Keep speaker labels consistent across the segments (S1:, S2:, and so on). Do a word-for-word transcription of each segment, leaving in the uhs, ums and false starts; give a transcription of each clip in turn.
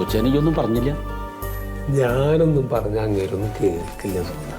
S1: കൊച്ചേനൊന്നും പറഞ്ഞില്ല?
S2: ഞാനൊന്നും പറഞ്ഞ അങ്ങേരൊന്നും കേൾക്കില്ല സുഹൃത്ത.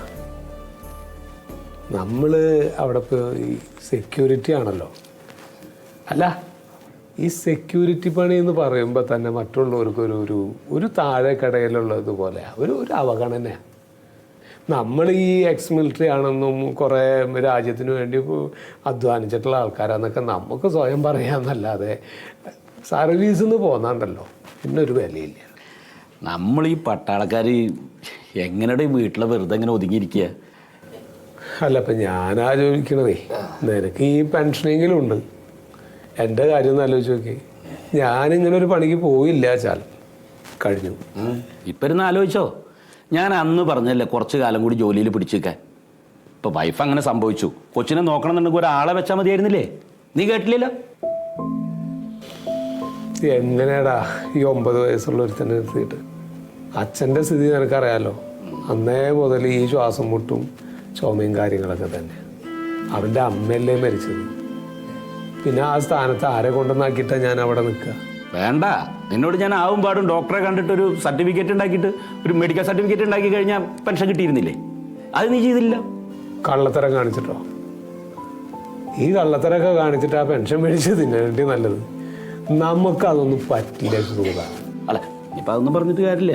S2: നമ്മള് അവിടെ ഇപ്പോൾ ഈ സെക്യൂരിറ്റി ആണല്ലോ. അല്ല, ഈ സെക്യൂരിറ്റി പണി എന്ന് പറയുമ്പോൾ തന്നെ മറ്റുള്ളവർക്കൊരു ഒരു ഒരു താഴെ കടയിലുള്ളതുപോലെ ഒരു ഒരു അവഗണനയാണ്. നമ്മൾ ഈ എക്സ് മിലിറ്ററി ആണെന്നും കുറേ രാജ്യത്തിന് വേണ്ടി അധ്വാനിച്ചിട്ടുള്ള ആൾക്കാരാന്നൊക്കെ നമുക്ക് സ്വയം പറയാമെന്നല്ലാതെ സർവീസിൽ നിന്ന് പോന്നാണ്ടല്ലോ പിന്നെ ഒരു വിലയില്ല.
S1: നമ്മൾ ഈ പട്ടാളക്കാർ എങ്ങനെയുടെ വീട്ടിലെ വെറുതെ എങ്ങനെ ഒതുങ്ങിയിരിക്കുക?
S2: അല്ല, ഇപ്പം ഞാനാ ചോദിക്കണതേ, നിനക്ക് ഈ പെൻഷനെങ്കിലും ഉണ്ട്. എൻ്റെ കാര്യം ഒന്ന് ആലോചിച്ച് നോക്കി. ഞാനിങ്ങനെ ഒരു പണിക്ക് പോയില്ല ചാൽ കഴിഞ്ഞു.
S1: ഇപ്പം ഇരുന്ന് ആലോചിച്ചോ. ഞാൻ അന്ന് പറഞ്ഞല്ലേ കുറച്ച് കാലം കൂടി ജോലിയിൽ പിടിച്ചിരിക്കാൻ. ഇപ്പോൾ വൈഫ് അങ്ങനെ സംഭവിച്ചു. കൊച്ചിനെ നോക്കണം എന്നുണ്ടെങ്കിൽ ഒരാളെ വെച്ചാൽ മതിയായിരുന്നില്ലേ? നീ കേട്ടില്ലല്ലോ.
S2: എങ്ങനെയാടാ ഈ ഒമ്പത് വയസ്സുള്ള ഒരുത്തന്നെ നിർത്തിയിട്ട്? അച്ഛൻ്റെ സ്ഥിതി നിനക്കറിയാലോ. അന്നേ മുതൽ ഈ ശ്വാസം മുട്ടും ചുമയും കാര്യങ്ങളൊക്കെ തന്നെ. അവൻ്റെ അമ്മയല്ലേ മരിച്ചത്. പിന്നെ ആ സ്ഥാനത്ത് ആരെ കൊണ്ടുവന്നാക്കിയിട്ടാണ് ഞാൻ അവിടെ നിൽക്കുക?
S1: വേണ്ട, നിന്നോട് ഞാൻ ആവും പാടും ഡോക്ടറെ കണ്ടിട്ട് ഒരു സർട്ടിഫിക്കറ്റ് ഉണ്ടാക്കിയിട്ട് ഒരു മെഡിക്കൽ സർട്ടിഫിക്കറ്റ് ഉണ്ടാക്കി കഴിഞ്ഞാൽ പെൻഷൻ കിട്ടിയിരുന്നില്ലേ? അത് നീ ചെയ്തില്ല.
S2: കള്ളത്തരം കാണിച്ചിട്ടോ? ഈ കള്ളത്തരമൊക്കെ കാണിച്ചിട്ട് ആ പെൻഷൻ മേടിച്ച് തിന്നേണ്ടി നല്ലത്. നമുക്കതൊന്നും പറ്റില്ല സുഹൃത്ത.
S1: അല്ല, ഇപ്പം അതൊന്നും പറഞ്ഞിട്ട് കാര്യമില്ല.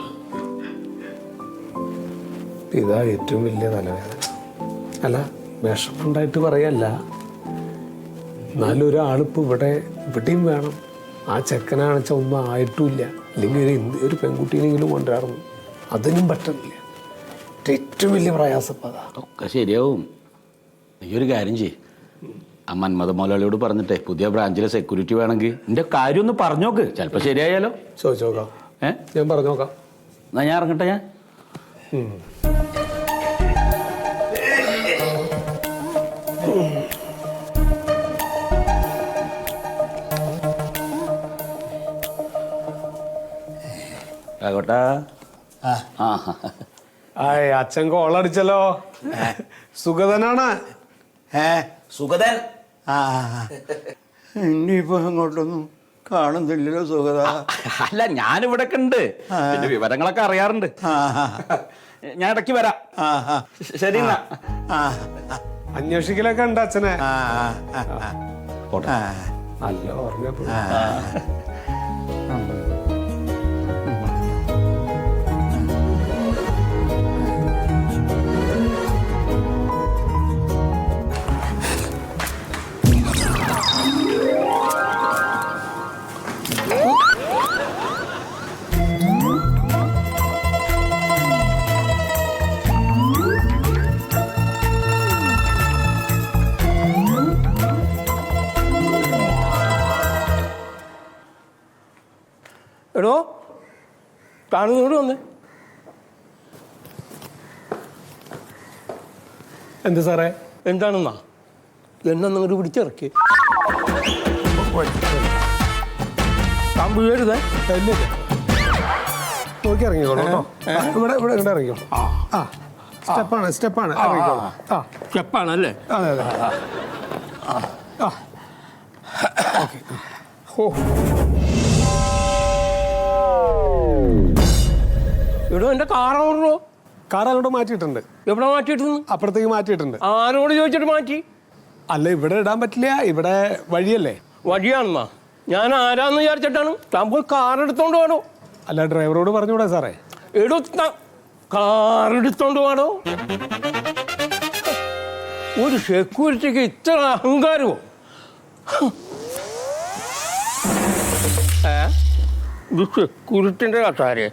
S2: ഇതാ ഏറ്റവും വലിയ തലവേദന. അല്ല, വിഷമുണ്ടായിട്ട് പറയല്ല. എന്നാലും ഒരാളിപ്പോൾ ഇവിടെ ഇവിടെയും വേണം. ആ ചെക്കനാണെച്ചാൽ ഒന്നും ആയിട്ടുമില്ല. അല്ലെങ്കിൽ ഒരു ഒരു പെൺകുട്ടീനെങ്കിലും കൊണ്ടുവരണം, അതിനും പറ്റുന്നില്ല. ഏറ്റവും വലിയ പ്രയാസപ്പതാ.
S1: ഒക്കെ ശരിയാവും. നീ ഒരു കാര്യം ചെയ്യ്, ആ മന്മഥ മോലാളിയോട് പറഞ്ഞിട്ടേ പുതിയ ബ്രാഞ്ചിലെ സെക്യൂരിറ്റി വേണമെങ്കിൽ എൻ്റെ കാര്യം ഒന്ന് പറഞ്ഞോക്ക്. ചിലപ്പോൾ ശരിയായാലോ.
S2: ചോദിച്ചു നോക്കാം.
S1: ഏ
S2: ഞാൻ പറഞ്ഞു നോക്കാം.
S1: എന്നാ ഞാൻ ഇറങ്ങട്ടെ. ഞാൻ ആകോട്ടാ.
S2: ആയ്, അച്ഛൻ കോളടിച്ചല്ലോ. സുഗതനാണ്.
S3: ഏ
S1: സുഗതൻ.
S3: ആ ഇനിയിപ്പോ അങ്ങോട്ടൊന്നും കാണുന്നില്ലല്ലോ സുഗത.
S1: അല്ല, ഞാനിവിടെ ഉണ്ട്. പിന്നെ വിവരങ്ങളൊക്കെ അറിയാറുണ്ട്. ഞാൻ ഇടയ്ക്ക് വരാം. ശരി എന്നാ.
S2: അന്വേഷിക്കലൊക്കെ ഉണ്ട് അച്ഛനെ.
S1: പോട്ടെ.
S2: നല്ല ഓർമ്മ.
S4: എടോ, കാണുന്നോട് വന്നേ.
S2: എന്ത് സാറേ?
S4: എന്താണെന്നാ എന്നെ നിങ്ങോട്ട് പിടിച്ചിറക്കി. താൻ വീഴരുതേ.
S2: നോക്കി ഇറങ്ങിക്കോളൂ കേട്ടോ. ഇവിടെ ഇവിടെ ഇവിടെ ഇറങ്ങിക്കോളൂ. ആ, സ്റ്റെപ്പാണ് സ്റ്റെപ്പാണ്. ഇറങ്ങിക്കോളൂ. ആ,
S4: സ്റ്റെപ്പാണല്ലേ?
S2: അതെ അതെ. ആ, ഓക്കെ. ഓ,
S4: എടോ, എൻ്റെ കാറാണോ?
S2: കാർ അങ്ങോട്ട് മാറ്റിയിട്ടുണ്ട്.
S4: എവിടെ മാറ്റിയിട്ടുണ്ട്?
S2: അപ്പുറത്തേക്ക് മാറ്റിയിട്ടുണ്ട്.
S4: ആരോട് ചോദിച്ചിട്ട് മാറ്റി?
S2: അല്ല, ഇവിടെ ഇടാൻ പറ്റില്ല. ഇവിടെ വഴിയല്ലേ.
S4: വഴിയാണെന്നാ? ഞാൻ ആരാന്ന് വിചാരിച്ചിട്ടാണ്. താൻ പോയി കാർ എടുത്തോണ്ട് വേണോ?
S2: അല്ല, ഡ്രൈവറോട് പറഞ്ഞൂടെ സാറേ?
S4: എടോ, കാർ എടുത്തോണ്ട് വേണോ? ഒരു സെക്യൂരിറ്റിക്ക് ഇത്ര അഹങ്കാരമോ? ഏ ഇത് സെക്യൂരിറ്റിന്റെ കസാരെ.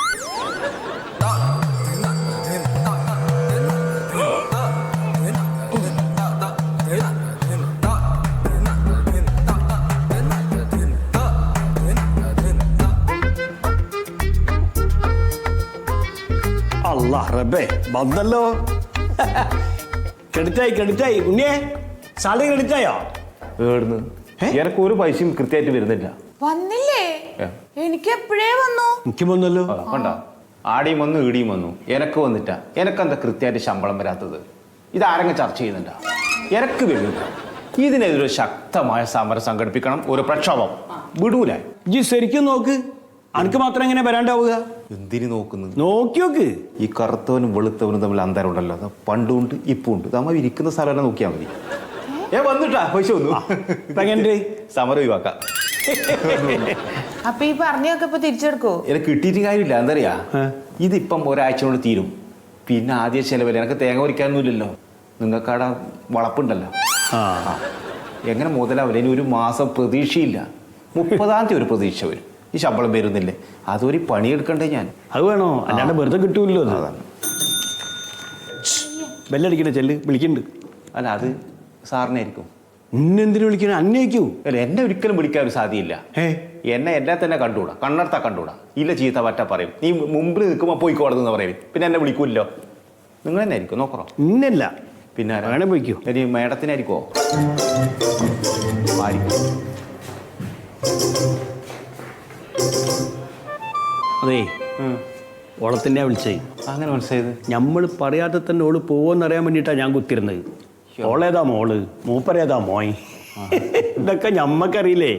S3: അല്ലാ റബ്ബേ, വന്നല്ലോ. ക്രെഡിറ്റായി ക്രെഡിറ്റായി. ഉണ്ണിയേ, സാലറി ക്രെഡിറ്റായോ?
S5: ഏടുന്ന് എനക്ക് ഒരു പൈസയും കൃത്യമായിട്ട് വരുന്നില്ല.
S6: വന്നില്ലേ? എനിക്ക് എപ്പോഴേ വന്നു.
S3: എനിക്ക് വന്നല്ലോ.
S5: കണ്ട, ആടിയും വന്നു ഈടിയും വന്നു. എനക്ക് വന്നിട്ടാ. എനക്കെന്താ കൃത്യമായിട്ട് ശമ്പളം വരാത്തത്? ഇതാരെങ്കിലും ചർച്ച ചെയ്യുന്നുണ്ടോ? എനക്ക് വരില്ല. ഇതിനെതിരെ ശക്തമായ സമരം സംഘടിപ്പിക്കണം. ഒരു പ്രക്ഷോഭം വിടൂല.
S3: ജി ശരിക്കും നോക്ക്. അനക്ക് മാത്രം എങ്ങനെ വരാണ്ടാവുക?
S5: എന്തിനു നോക്കുന്നത്?
S3: നോക്കി നോക്ക്.
S5: ഈ കറുത്തവനും വെളുത്തവനും തമ്മിൽ അന്തരം ഉണ്ടല്ലോ. അത് പണ്ടുണ്ട് ഇപ്പം ഉണ്ട്. നമ്മ ഇരിക്കുന്ന സ്ഥലം തന്നെ നോക്കിയാൽ മതി. ഏ വന്നിട്ടാ പൈസ വന്നു.
S3: ഇപ്പൊ എങ്ങനെ
S5: സമരം ഒഴിവാക്കാം.
S6: അപ്പൊ ഈ പറഞ്ഞൊക്കെ ഇപ്പൊ തിരിച്ചെടുക്കോ?
S5: എനിക്ക് കിട്ടിയിട്ട് കാര്യമില്ല. എന്തറിയാ, ഇതിപ്പം ഒരാഴ്ച കൊണ്ട് തീരും. പിന്നെ ആദ്യ ചെലവല്ലേ, എനിക്ക് തേങ്ങ പൊരിക്കാനൊന്നുമില്ലല്ലോ. നിങ്ങൾക്കവിടെ വളപ്പുണ്ടല്ലോ.
S3: ആ
S5: എങ്ങനെ മുതലാവില്ല. ഇനി ഒരു മാസം പ്രതീക്ഷയില്ല. മുപ്പതാം തീയതി ഒരു പ്രതീക്ഷ വരും. ഈ ശമ്പളം വരുന്നില്ലേ, അതൊരു പണിയെടുക്കണ്ടേ ഞാൻ.
S3: അത് വേണോ? അല്ലാണ്ട് വെറുതെ കിട്ടൂല്ലോ.
S5: അതാണ്.
S3: ബെല്ലടിക്കണേ, ചെല്ല് വിളിക്കുന്നുണ്ട്.
S5: അല്ല, അത് സാറിനായിരിക്കും.
S3: ഇന്നെന്തിനു വിളിക്കണേ? അന്വേഷിക്കൂ.
S5: അല്ല, എന്നെ ഒരിക്കലും വിളിക്കാൻ ഒരു സാധ്യയില്ല.
S3: ഏ
S5: എന്നെ എന്നെ തന്നെ കണ്ടുകൂടാ, കണ്ണെടുത്താ കണ്ടുകൂടാ. ഇല്ല ചീത്ത പറ്റ പറയും. നീ മുമ്പിൽ നിൽക്കുമ്പോൾ പോയിക്കോടുന്ന പറയും. പിന്നെ എന്നെ വിളിക്കൂല്ലോ. നിങ്ങൾ തന്നെ ആയിരിക്കും, നോക്കറോ?
S3: ഇന്നല്ല,
S5: പിന്നെ
S3: വേണേ പോയിക്കോ.
S5: ഇനി മേഡത്തിനായിരിക്കുമോ? ആയിരിക്കും.
S3: അതേ, ഓളത്തിൻ്റെ വിളിച്ചേ.
S5: അങ്ങനെ മനസ്സിലായത്?
S3: നമ്മൾ പറയാതെ തന്നെ ഓള് പോവെന്നറിയാൻ വേണ്ടിയിട്ടാണ് ഞാൻ കുത്തിരുന്നത്. ഓളേതാ മോള്, മൂപ്പരേതാ മോയ്, ഇതൊക്കെ ഞമ്മക്കറിയില്ലേ.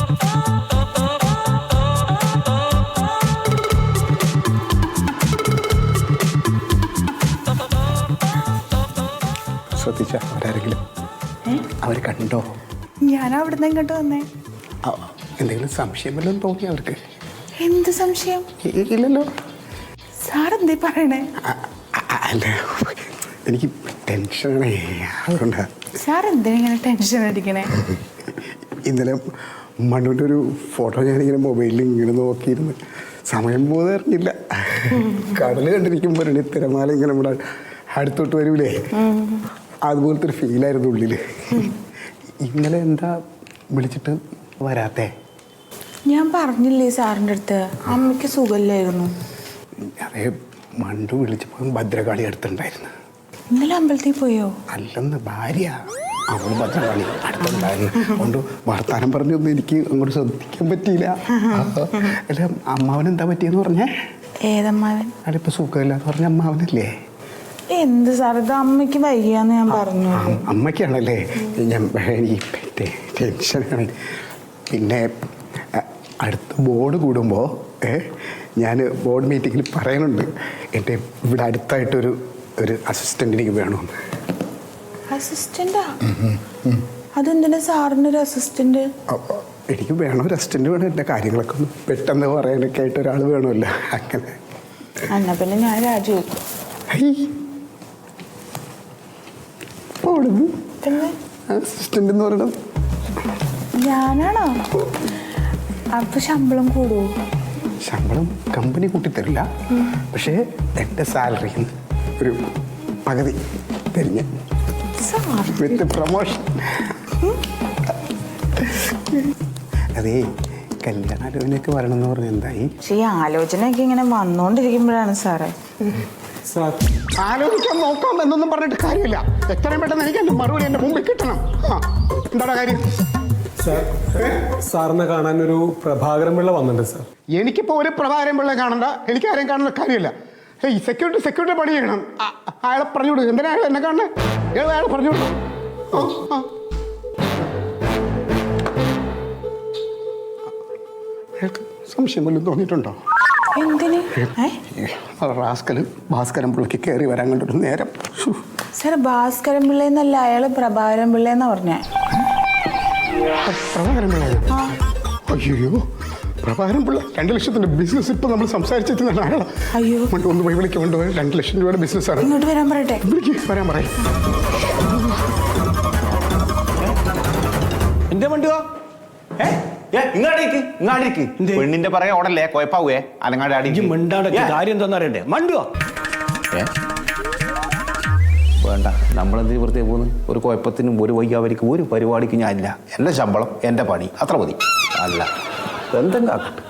S2: ശ്രദ്ധിച്ച അവരാരെങ്കിലും അവർ കണ്ടോ?
S6: ഞാൻ അവിടുന്ന് ഇങ്ങോട്ട് വന്നേ.
S2: ആ, എന്തെങ്കിലും സംശയം വല്ലതും തോന്നി അവർക്ക്?
S6: എന്ത് സംശയം?
S2: ഇ- ഇല്ലല്ലോ.
S6: സാർ എന്തേ പറയണേ?
S2: അ- അ- അല്ല, എനിക്ക് ടെൻഷനാണേ, അതുകൊണ്ടാ.
S6: സാർ എന്തിനാ ഇങ്ങനെ ടെൻഷൻ അടിക്കണേ?
S2: ഇന്നലെ മണ്ണുവിൻ്റെ ഒരു ഫോട്ടോ ഞാനിങ്ങനെ മൊബൈലിൽ ഇങ്ങനെ നോക്കിയിരുന്നു. സമയം പോകുന്നത് അറിഞ്ഞില്ല. കടൽ കണ്ടിരിക്കുമ്പോൾ തിരമാല ഇങ്ങനെ നമ്മുടെ അടുത്തോട്ട് വരൂലേ, അതുപോലത്തെ ഒരു ഫീലായിരുന്നു ഉള്ളിൽ. ഇന്നലെ എന്താ വിളിച്ചിട്ട് വരാത്തേ?
S6: ഞാൻ പറഞ്ഞില്ലേ സാറിൻ്റെ അടുത്ത് അമ്മയ്ക്ക് സുഖമില്ലായിരുന്നു.
S2: അതേ, മണ്ടു വിളിച്ചപ്പോൾ ഭദ്രകാളി അടുത്തുണ്ടായിരുന്നു.
S6: ഇന്നലെ അമ്പലത്തിൽ പോയോ?
S2: അല്ലെന്ന് ഭാര്യ, അവള് ഭദ്രകാളി അടുത്തുണ്ടായിരുന്നു. അതുകൊണ്ട് വർത്താനം പറഞ്ഞൊന്നും എനിക്ക് അങ്ങോട്ട് ശ്രദ്ധിക്കാൻ പറ്റിയില്ല. അല്ല, അമ്മാവനെന്താ പറ്റിയെന്ന് പറഞ്ഞേ?
S6: ഏതമ്മാവൻ?
S2: അതിപ്പോൾ സുഖമില്ലാന്ന് പറഞ്ഞ അമ്മാവനല്ലേ?
S6: എന്ത് സാർ, ഇത് അമ്മയ്ക്ക് വയ്യാന്ന് ഞാൻ പറഞ്ഞു.
S2: അ- അമ്മയ്ക്കാണല്ലേ? ഞാൻ എനിക്ക് ടെ- ടെൻഷനാണ്. പിന്നെ അ, അടുത്ത ബോർഡ് കൂടുമ്പോൾ ഞാൻ ബോർഡ് മീറ്റിങ്ങിൽ പറയുന്നുണ്ട്, എൻ്റെ ഇവിടെ അടുത്തായിട്ടൊരു ഒരു അസിസ്റ്റൻ്റ് എനിക്ക് വേണമെന്ന്.
S6: അസിസ്റ്റന്റാ? അതെന്തിനാ സാറിന് ഒരു അസിസ്റ്റന്റ്?
S2: അപ്പോൾ എനിക്ക് വേണം, ഒരു അസിസ്റ്റൻ്റ് വേണം. എൻ്റെ കാര്യങ്ങളൊക്കെ ഒന്ന് പെട്ടെന്ന് പറയാനൊക്കെ ആയിട്ട് ഒരാൾ വേണമല്ലോ. അങ്ങനെ
S6: എന്നാ പിന്നെ ഞാൻ രാജിവെക്കും.
S2: ഓടുന്നു
S6: പിന്നെ
S2: അസിസ്റ്റൻ്റ് എന്ന് പറയണത്
S6: ഞാനാണോ? അപ്പൊ ശമ്പളം കൂടുവോ?
S2: ശമ്പളം കമ്പനി കൂട്ടിത്തരില്ല, പക്ഷേ എൻ്റെ സാലറിയിൽ നിന്ന് ഒരു പകുതി തരിഞ്ഞ
S6: സാർ
S2: വിത്ത് പ്രൊമോഷൻ. അതേ, കല്യാണാലോചനയൊക്കെ വരണമെന്ന് പറഞ്ഞ എന്തായി?
S6: പക്ഷെ ഈ ആലോചനയൊക്കെ ഇങ്ങനെ വന്നോണ്ടിരിക്കുമ്പോഴാണ് സാറേ.
S2: ആലോചിക്കാൻ നോക്കാം എന്നൊന്നും പറഞ്ഞിട്ട് കാര്യമില്ല. എത്രയും പെട്ടെന്ന് എനിക്ക് എൻ്റെ മറുപടി എൻ്റെ മുമ്പിൽ കിട്ടണം. ആ, എന്താണ് കാര്യം?
S7: സാർ, സാറിനെ കാണാൻ ഒരു പ്രഭാകരൻ പിള്ള വന്നിട്ടുണ്ട് സാർ.
S2: എനിക്കിപ്പോൾ ഒരു പ്രഭാകരൻ പിള്ളയെ കാണണ്ട, എനിക്ക് ആരെയും കാണേണ്ട കാര്യമില്ല. ഈ സെക്യൂരിറ്റി സെക്യൂരിറ്റി പണി ചെയ്യണം. ആ, അയാളെ പറഞ്ഞു വിടും. എന്തിനാ അയാൾ എന്നെ കാണണേ? അയാൾ അയാളെ പറഞ്ഞു വിടും. ആ ആ അയാൾക്ക് സംശയം വല്ലതും തോന്നിയിട്ടുണ്ടോ?
S6: എന്തിന്?
S2: റാസ്കല് ഭാസ്കരൻ പിള്ളക്ക് കയറി വരാൻ കണ്ടൊരു നേരം.
S6: സാർ, ഭാസ്കരൻ പിള്ളേന്നല്ല, അയാള് പ്രഭാകരൻ പിള്ളേന്നാ പറഞ്ഞേ.
S2: പ്രഭാകരൻ പിള്ള? അയ്യോ, പ്രഭാകരൻ പിള്ള രണ്ട് ലക്ഷത്തിന്റെ ബിസിനസ് ഇപ്പൊ നമ്മൾ സംസാരിച്ചിരുന്ന ആളാ.
S6: അയ്യോ,
S2: ഒന്ന് പോയി വിളിക്ക്, കൊണ്ടുപോയി രണ്ട് ലക്ഷം രൂപയുടെ ബിസിനസ്സാണ്.
S6: ഇങ്ങോട്ട് വരാൻ പറയട്ടെ.
S2: വിളിക്ക്, വരാൻ പറയും.
S3: എന്റെ വണ്ടിയോ?
S5: ഇങ്ങാടേക്ക് ഇങ്ങാടേക്ക് പെണ്ണിന്റെ പറയാ ഓടല്ലേ കുഴപ്പാവേ അലങ്ങാട്
S3: എനിക്ക്
S5: അടിക്കും.
S3: മിണ്ടാടൊക്കെ കാര്യം എന്താണെന്ന് അറിയണ്ടേ? മണ്ടുവോ?
S5: ഏ? വേണ്ട, നമ്മളെന്തിന് വെറുതെ പോകുന്നു? ഒരു കുഴപ്പത്തിനും ഒരു വയ്യാവരിക്കും ഒരു പരിപാടിക്ക് ഞാനില്ല. എൻ്റെ ശമ്പളം എൻ്റെ പണി അത്ര മതി. അല്ല എന്തെങ്കിലും ആക്കട്ടെ.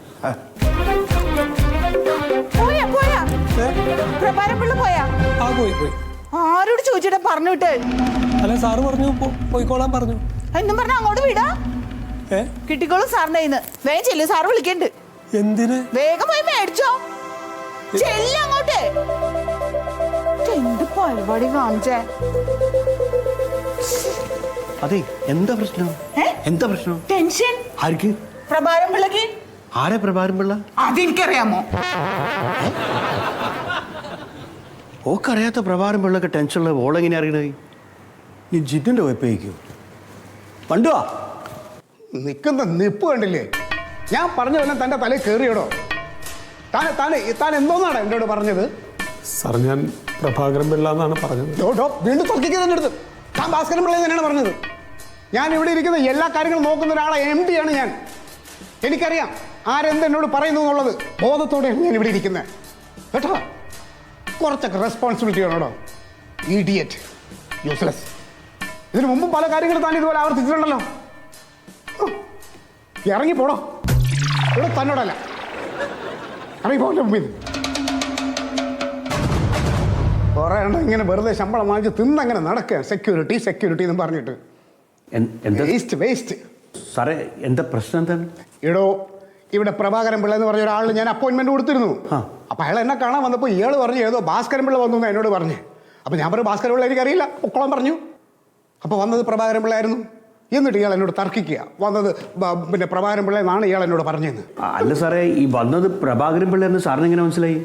S6: പോയാ പോയാ പ്രഭാകരൻ പിള്ള പോയാ?
S7: ആ പോയി പോയി.
S6: ആരോട് ചോദിച്ചിട്ടാ പറഞ്ഞു വിട്ട്?
S7: അല്ല, സാറ് പറഞ്ഞു പോ- പോയിക്കോളാൻ പറഞ്ഞു.
S6: എന്നും പറഞ്ഞ അങ്ങോട്ട് വിടാ.
S7: ഏ
S6: കിട്ടിക്കോളും സാറിന്റെ കയ്യിന്ന്. വേഗം ചെല്ലു, സാറ് വിളിക്കണ്ട്.
S7: എന്തിന്?
S6: വേഗം പോയി മേടിച്ചോ. ചെല്ല അങ്ങോട്ട്. എന്ത് പരിപാടി കാണിച്ചേ?
S3: അതെ, എന്താ പ്രശ്നം?
S6: ഏ?
S3: എന്താ പ്രശ്നം?
S6: ടെൻഷൻ
S3: ആർക്ക്?
S6: പ്രഭാകരൻ പിള്ളക്ക്.
S3: ആരെ പ്രഭാരം പിള്ള?
S6: അതെനിക്കറിയാമോ?
S3: ഓക്കറിയാത്ത പ്രഭാരം പിള്ളൊക്കെ ടെൻഷനുള്ള ഓളെങ്ങനെ അറിയണേ? ഈ ജിറ്റിൻ്റെ വെപ്പയ്ക്കോ പണ്ടുവാ
S8: നിൽക്കുന്ന നിപ്പ് കണ്ടില്ലേ? ഞാൻ പറഞ്ഞ വല്ല തൻ്റെ തലയിൽ കയറിയടോ. താൻ താൻ താൻ എന്തോന്നാണ് എന്നോട് പറഞ്ഞത്?
S7: സാർ ഞാൻ പ്രഭാകരൻ പിള്ള എന്നാണ് പറഞ്ഞത്.
S8: ഡോ, ഡോ, വീണ്ടും തുറക്കിക്കുക തന്നെ എടുത്ത്. താൻ ഭാസ്കരൻ പിള്ള തന്നെയാണ് പറഞ്ഞത്. ഞാൻ ഇവിടെ ഇരിക്കുന്ന എല്ലാ കാര്യങ്ങളും നോക്കുന്ന ഒരാളെ എം ഡി ആണ് ഞാൻ. എനിക്കറിയാം ആരെന്ത് എന്നോട് പറയുന്നു എന്നുള്ളത്. ബോധത്തോടെയാണ് ഞാൻ ഇവിടെ ഇരിക്കുന്നത് കേട്ടോ. കുറച്ചൊക്കെ റെസ്പോൺസിബിലിറ്റി വേണോടോ. Idiot, useless. ഇതിനു മുമ്പും പല കാര്യങ്ങളും താൻ ഇതുപോലെ ആവർത്തിച്ചിട്ടുണ്ടല്ലോ. ഇറങ്ങിപ്പോടോ. ഇവിടെ തന്നോടല്ല, ഇറങ്ങിപ്പോന്റെ മുമ്പിൽ. കുറേ എണ്ണം ഇങ്ങനെ വെറുതെ ശമ്പളം വാങ്ങിച്ച് തിന്നങ്ങനെ നടക്കുക. സെക്യൂരിറ്റി സെക്യൂരിറ്റി എന്നും പറഞ്ഞിട്ട്
S3: എന്താ
S8: വേസ്റ്റ് വേസ്റ്റ്.
S3: സാറേ എന്താ പ്രശ്നം എന്താണ്?
S8: ഇടോ, ഇവിടെ പ്രഭാകരൻ പിള്ള എന്ന് പറഞ്ഞ ഒരാളിന് ഞാൻ അപ്പോയിൻമെന്റ് കൊടുത്തിരുന്നു. അപ്പൊ അയാൾ എന്നെ കാണാൻ വന്നപ്പോൾ ഇയാൾ പറഞ്ഞു ഏതോ ഭാസ്കരൻ പിള്ള വന്നു എന്ന് എന്നോട് പറഞ്ഞു. അപ്പൊ ഞാൻ പറഞ്ഞു ഭാസ്കരൻ പിള്ള എനിക്കറിയില്ല, പൊക്കോളം പറഞ്ഞു. അപ്പൊ വന്നത് പ്രഭാകരൻ പിള്ള ആയിരുന്നു. എന്നിട്ട് ഇയാൾ എന്നോട് തർക്കിക്കുക വന്നത് പിന്നെ പ്രഭാകരൻ പിള്ള എന്നാണ് ഇയാൾ എന്നോട് പറഞ്ഞതെന്ന്.
S3: അല്ല സാറേ, ഈ വന്നത് പ്രഭാകരൻ പിള്ള എന്ന് സാറിന് എങ്ങനെ മനസ്സിലായി?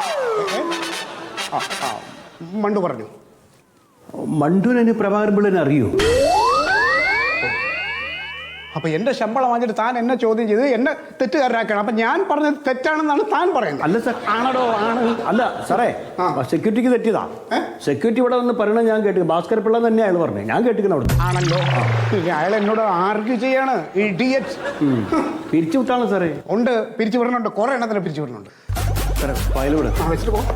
S8: മണ്ടു പറഞ്ഞു.
S3: മണ്ടുവിനെ പ്രഭാകരൻ പിള്ളനെ അറിയോ?
S8: അപ്പൊ എന്റെ ശമ്പളം വാങ്ങിച്ചിട്ട് താൻ എന്നെ ചോദ്യം ചെയ്ത് എന്നെ തെറ്റുകാരനാക്കണം. അപ്പൊ ഞാൻ പറഞ്ഞത് തെറ്റാണെന്നാണ് താൻ പറയുന്നത്.
S3: അല്ല സാർ, ആണോ ആണ് അല്ല സാറേ, സെക്യൂരിറ്റിക്ക് തെറ്റിയതാ. സെക്യൂരിറ്റി ഇവിടെ വന്ന് പറയണത് ഞാൻ കേട്ടു. ഭാസ്കര പിള്ള തന്നെ അയാൾ പറഞ്ഞു, ഞാൻ കേട്ടിരിക്കുന്ന അവിടെ.
S8: ആണല്ലോ, അയാൾ എന്നോട് ആർഗ്യൂ ചെയ്യാണ്. ഇഡിയറ്റ്.
S3: പിരിച്ചു വിട്ടാണ് സാറേ.
S8: ഉണ്ട്, പിരിച്ചു വിടുന്നുണ്ട്. കുറെ എണ്ണത്തിനെ പിരിച്ചു വിടുന്നുണ്ട്.
S3: സാറേ ഫയൽ വിട്.
S8: ആ വെച്ചിട്ട് പോ.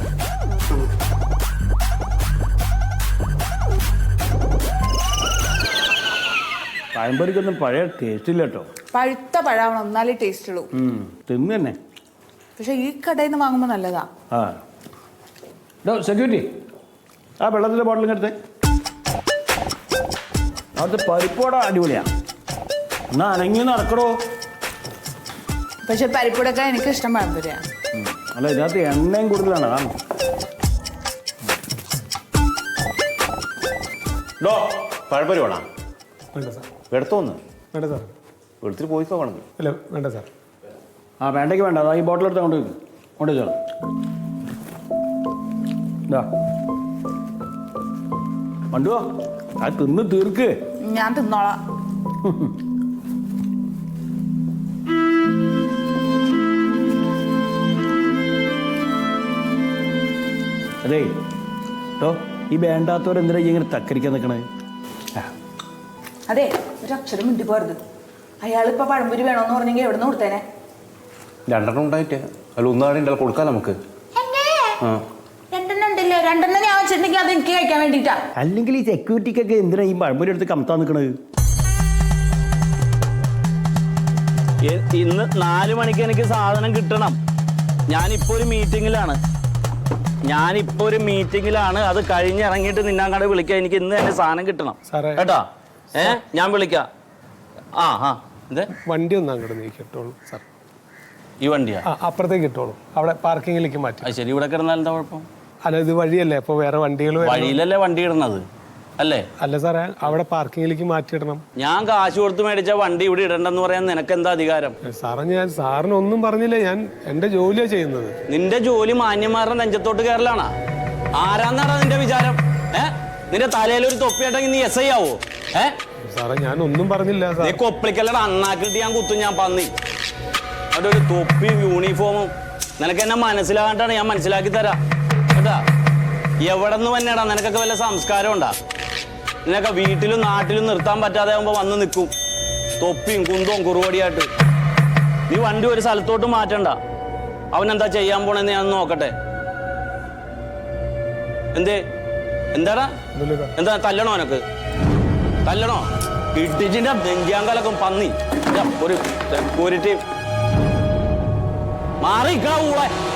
S3: പഴംപൊരിക്കൊന്നും പഴയ ടേസ്റ്റ് ഇല്ല കേട്ടോ.
S6: പഴുത്ത പഴാവണം, എന്നാലേ ടേസ്റ്റ് ഉള്ളൂ.
S3: തിന്നു തന്നെ.
S6: പക്ഷെ ഈ കടയിൽ നിന്ന് വാങ്ങുമ്പോൾ നല്ലതാ.
S3: ആ ഡോ സെക്യൂരിറ്റി, ആ വെള്ളത്തിൻ്റെ ബോട്ടിൽ എടുത്തേ. അവിടുത്തെ പരിപ്പോടെ അടിപൊളിയാ. എന്നാ അനങ്ങി നടക്കടോ.
S6: പക്ഷെ പരിപ്പുടൊക്കെ എനിക്ക് ഇഷ്ടം പഴംപൊരിയാ.
S3: അല്ല, ഇതിനകത്ത് എണ്ണയും കൂടുതലാണ്. അതാണ്. ഡോ പഴംപൊരി വേണം.
S7: വേണ്ട സാർ.
S3: എടുത്തോന്ന്.
S7: വേണ്ട സാർ.
S3: എടുത്തിട്ട് പോയിക്കോ വേണം.
S7: അല്ല വേണ്ട സാർ.
S3: ആ വേണ്ടേക്ക് വേണ്ട. അതാ ഈ ബോട്ടിൽ എടുത്ത് കൊണ്ട് വയ്ക്കും. കൊണ്ട് വെച്ചോളാം. ഇതാ മണ്ടുവോ, അത് തിന്ന് തീർക്ക്.
S6: ഞാൻ തിന്നോളാം.
S3: അതേ കേട്ടോ, ഈ വേണ്ടാത്തവരെന്തിനാ ഇങ്ങനെ തക്കരിക്കാൻ നിൽക്കണേ?
S6: അതെ, ഒരു അക്ഷരം മിണ്ടി പോരുത്. അയാളിപ്പോ പഴംപൊരി വേണോന്ന് പറഞ്ഞെങ്കിൽ എവിടെ നിന്ന് കൊടുത്തേനെ?
S5: രണ്ടെണ്ണം ഉണ്ടായിട്ടേ അല്ല, ഒന്നാടെ ഉണ്ടല്ലോ കൊടുക്കാം നമുക്ക്.
S6: രണ്ടെണ്ണം ഉണ്ടല്ലോ. രണ്ടെണ്ണം ഞാൻ വെച്ചിട്ടുണ്ടെങ്കിൽ അത് എനിക്ക് കഴിക്കാൻ വേണ്ടിട്ടാ.
S3: അല്ലെങ്കിൽ ഈ സെക്യൂരിറ്റിക്കൊക്കെ എന്തിനാ ഈ പഴംപൊരി എടുത്ത് കമത്താൻ നിൽക്കണത്?
S1: ഇന്ന് നാല് മണിക്ക് എനിക്ക് സാധനം കിട്ടണം. ഞാനിപ്പോ ഒരു മീറ്റിങ്ങിലാണ്. ഞാനിപ്പോ ഒരു മീറ്റിങ്ങിലാണ്. അത് കഴിഞ്ഞിറങ്ങിയിട്ട് നിന്നാങ്ങാട് വിളിക്കാം. എനിക്ക് ഇന്ന് തന്നെ സാധനം കിട്ടണം കേട്ടാ. ഏ ഞാൻ വിളിക്കാം. ആ ആ എന്തേ
S7: വണ്ടി ഒന്ന് അങ്ങോട്ട് നീക്കിട്ടോളൂ സാർ.
S1: ഈ വണ്ടിയാ?
S7: ആ അപ്പുറത്തേക്ക് ഇട്ടോളൂ. അവിടെ പാർക്കിങ്ങിലേക്ക് മാറ്റി.
S1: അത് ശരി, ഇവിടെ കിടന്നാൽ എന്താ കുഴപ്പം?
S7: അല്ല, ഇത് വഴിയല്ലേ, അപ്പോൾ വേറെ വണ്ടികൾ
S1: വഴിയിലല്ലേ വണ്ടി ഇടുന്നത് അല്ലേ?
S7: അല്ല സാറേ, അവിടെ പാർക്കിങ്ങിലേക്ക് മാറ്റിയിടണം.
S1: ഞാൻ കാശ് കൊടുത്ത് മേടിച്ച വണ്ടി ഇവിടെ ഇടണ്ടെന്ന് പറയാൻ നിനക്ക് എന്താ അധികാരം?
S7: സാറേ, ഞാൻ സാറിന് ഒന്നും പറഞ്ഞില്ല. ഞാൻ എൻ്റെ ജോലിയാണ് ചെയ്യുന്നത്.
S1: നിന്റെ ജോലി മാന്യന്മാരുടെ നെഞ്ചത്തോട്ട് കയറലാണോ? ആരാന്നാടാ നിന്റെ വിചാരം? ഏ നിന്റെ തലയിൽ ഒരു തൊപ്പിയാട്ടെങ്കിൽ നീ എസ് ഐ ആവോ? ഏ
S7: സാറേ, ഞാൻ ഒന്നും പറഞ്ഞില്ല സാർ.
S1: നീ കൊപ്പളിക്കല്ലട അണ്ണാക്കിട്ട് ഞാൻ കുത്തും. ഞാൻ പന്നി അവിടെ ഒരു തൊപ്പിയും യൂണിഫോമും. നിനക്ക് എന്നെ മനസ്സിലാകാണ്ടാണ്. ഞാൻ മനസ്സിലാക്കി തരാം കേട്ടാ. എവിടെ നിന്ന് തന്നെയാടാ? നിനക്കൊക്കെ വല്ല സംസ്കാരം ഉണ്ടാ? നിനക്ക് വീട്ടിലും നാട്ടിലും നിർത്താൻ പറ്റാതെ ആകുമ്പോ വന്ന് നിൽക്കും തൊപ്പിയും കുന്തവും കുറുവടിയായിട്ട്. നീ വണ്ടി ഒരു സ്ഥലത്തോട്ട് മാറ്റണ്ട. അവൻ എന്താ ചെയ്യാൻ പോണെന്ന് ഞാൻ നോക്കട്ടെ. എന്തേ എന്താടാ? എന്താ തല്ലണോ? എനക്ക് തല്ലണോ? ഇടിച്ചിന്റെ നെഞ്ചാങ്കലൊക്കെ പന്നി. ഒരു സെക്യൂരിറ്റി മാറിക്കള കൂടെ.